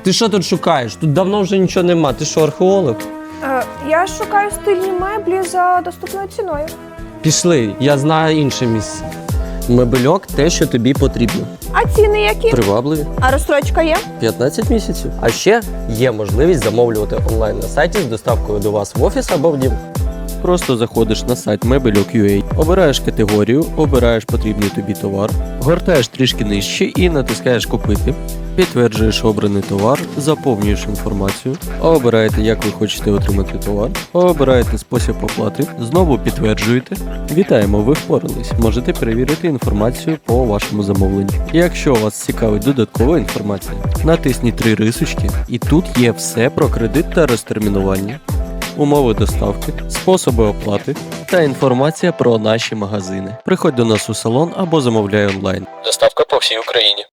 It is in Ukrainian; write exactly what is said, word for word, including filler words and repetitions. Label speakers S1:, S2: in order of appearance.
S1: Ти що тут шукаєш? Тут давно вже нічого нема. Ти що, археолог?
S2: Е, я шукаю стильні меблі за доступною ціною.
S1: Пішли, я знаю інше місце. Мебельок – те, що тобі потрібно.
S2: А ціни які?
S1: Привабливі.
S2: А розстрочка є?
S1: п'ятнадцять місяців. А ще є можливість замовлювати онлайн на сайті з доставкою до вас в офіс або в дім. Просто заходиш на сайт мебельок крапка ю а, обираєш категорію, обираєш потрібний тобі товар, гортаєш трішки нижче і натискаєш «Купити». Підтверджуєш обраний товар, заповнюєш інформацію, обираєте, як ви хочете отримати товар, обираєте спосіб оплати, знову підтверджуєте. Вітаємо, ви впорались. Можете перевірити інформацію по вашому замовленню. Якщо вас цікавить додаткова інформація, натисніть три рисочки, і тут є все про кредит та розтермінування, умови доставки, способи оплати та інформація про наші магазини. Приходь до нас у салон або замовляй онлайн. Доставка по всій Україні.